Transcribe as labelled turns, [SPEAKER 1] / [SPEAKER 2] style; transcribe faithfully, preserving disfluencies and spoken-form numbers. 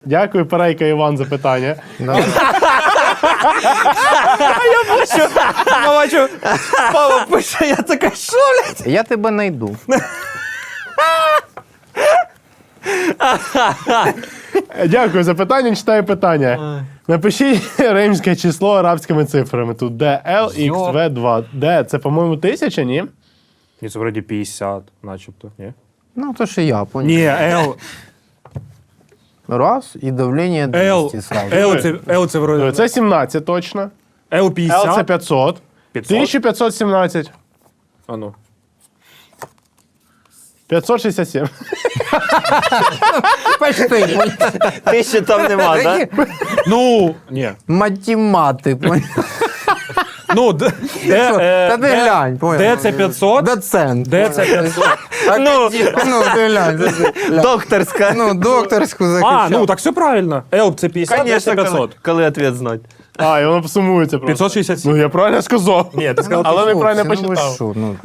[SPEAKER 1] Дякую, Перейка Іван, за питання.
[SPEAKER 2] Я бачу, Павло пише, я така, що, блядь?
[SPEAKER 3] Я тебе найду.
[SPEAKER 1] Дякую за питання, читаю питання. Напишіть римське число арабськими цифрами. Тут Д, Л, Х, В, два. Д, це, по-моєму, тисяча, ні?
[SPEAKER 2] Ні, це вроді п'ятдесят, начебто, ні?
[SPEAKER 3] Ну, то що я, понял.
[SPEAKER 2] Ні, Л,
[SPEAKER 3] Раз, і давлення
[SPEAKER 2] Л,
[SPEAKER 3] двісті сразу.
[SPEAKER 2] Л це, Л це вроді,
[SPEAKER 1] Це сімнадцять точно.
[SPEAKER 2] Л
[SPEAKER 1] Л це
[SPEAKER 2] п'ятдесят,
[SPEAKER 1] п'ятсот.
[SPEAKER 2] п'ятсот?
[SPEAKER 1] тисяча п'ятсот сімнадцять.
[SPEAKER 2] А ну.
[SPEAKER 1] п'ятсот шістдесят сім.
[SPEAKER 3] Почти.
[SPEAKER 4] Ти ще там нема, так?
[SPEAKER 2] Ну, ні.
[SPEAKER 3] Математик.
[SPEAKER 2] Ну, Д, Д, е,
[SPEAKER 3] Та ти
[SPEAKER 2] Д-
[SPEAKER 3] глянь, понял.
[SPEAKER 2] Д це п'ятсот,
[SPEAKER 3] Доцент.
[SPEAKER 2] Д це п'ятсот.
[SPEAKER 4] Ну,
[SPEAKER 3] Ну, ти глянь.
[SPEAKER 4] докторська.
[SPEAKER 3] Ну, докторську
[SPEAKER 2] А,
[SPEAKER 3] захищав.
[SPEAKER 2] ну так все правильно. Л це п'ятдесят, Д це
[SPEAKER 4] Конечно, коли,
[SPEAKER 2] п'ятсот.
[SPEAKER 4] коли ответ знать.
[SPEAKER 1] А, і воно сумується просто.
[SPEAKER 2] п'ятсот шістдесят сім.
[SPEAKER 1] Ну, я правильно сказав.
[SPEAKER 2] Ні, ти сказав
[SPEAKER 1] Але
[SPEAKER 3] Хлопці,
[SPEAKER 1] неправильно
[SPEAKER 3] ну ви
[SPEAKER 1] почитав.
[SPEAKER 3] що, ну.